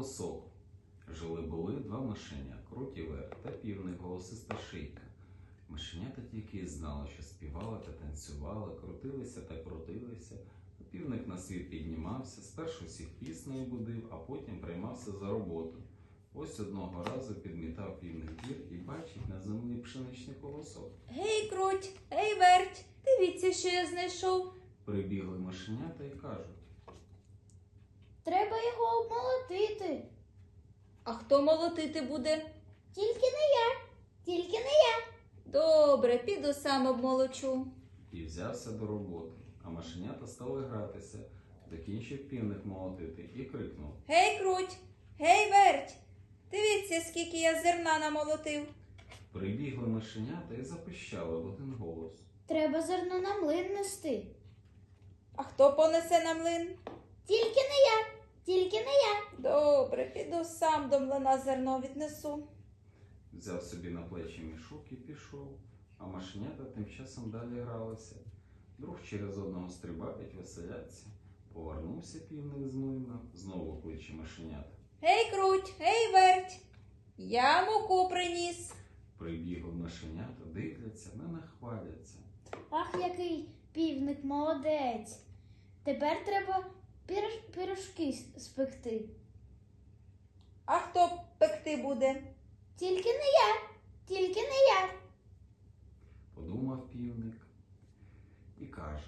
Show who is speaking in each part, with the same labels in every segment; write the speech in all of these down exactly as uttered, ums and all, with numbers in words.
Speaker 1: Колосок. Жили-були два мишеня, Круть і Верт, та півник, голосиста шийка. Мишенята тільки й знали, що співали та танцювали, крутилися та крутилися. А півник на світ піднімався, спершу всіх піснею будив, а потім приймався за роботу. Ось одного разу підмітав півник двір і бачить на землі пшеничний колосок.
Speaker 2: Гей, Круть, гей, Верть, дивіться, що я знайшов.
Speaker 1: Прибігли мишенята і кажуть:
Speaker 3: Треба його обмолотити.
Speaker 2: А хто молотити буде?
Speaker 3: Тільки не я, тільки не я.
Speaker 2: Добре, піду сам обмолочу.
Speaker 1: І взявся до роботи. А мишенята стали гратися. Закінчив півник молотити і крикнув:
Speaker 2: Гей, Круть, гей, Верть, дивіться, скільки я зерна намолотив.
Speaker 1: Прибігли мишенята і запищали в один голос:
Speaker 3: Треба зерно на млин нести.
Speaker 2: А хто понесе на млин?
Speaker 3: Тільки не я, тільки не я.
Speaker 2: Добре, піду сам до млина зерно віднесу.
Speaker 1: Взяв собі на плечі мішок і пішов, а мишенята тим часом далі гралися. Друг через одного стрибають, веселяться. Повернувся півник з млина, знову кличе мишенята.
Speaker 2: Гей, Круть, гей, Верть, я муку приніс.
Speaker 1: Прибігли мишенята, дивляться, не нахваляться.
Speaker 3: Ах, який півник молодець. Тепер треба пір- пирожки с- спекти.
Speaker 2: А хто пекти буде?
Speaker 3: Тільки не я, тільки не я.
Speaker 1: Подумав півник і каже: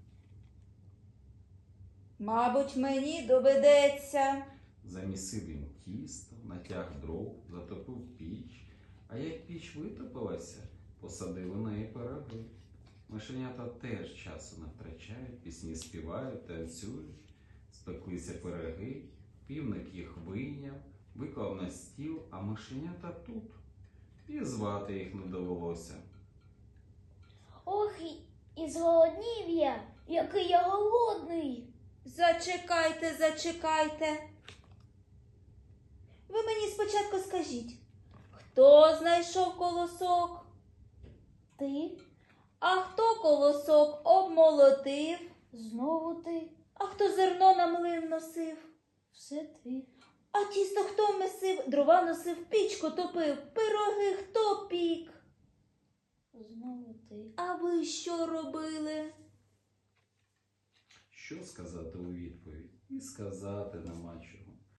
Speaker 2: Мабуть, мені доведеться.
Speaker 1: замісив він тісто, натяг дров, затопив піч, а як піч витопилася, посадили на неї пироги. Мишенята теж часу не втрачають, пісні співають, танцюють, спеклися пироги, півник їх вийняв, виклав на стіл, а мишенята тут. І звати їх не довелося.
Speaker 3: Ох, і- і зголоднів я, який я голодний.
Speaker 2: Зачекайте, зачекайте. Ви мені спочатку скажіть, хто знайшов колосок?
Speaker 3: Ти,
Speaker 2: А хто колосок обмолотив?
Speaker 3: знову ти,
Speaker 2: А хто зерно на млин носив?
Speaker 3: все ти.
Speaker 2: А тісто хто месив? Дрова носив, пічку топив, пироги хто пік?
Speaker 3: Знову ти.
Speaker 2: А ви що робили?
Speaker 1: Що сказати у відповідь? І сказати нема чого.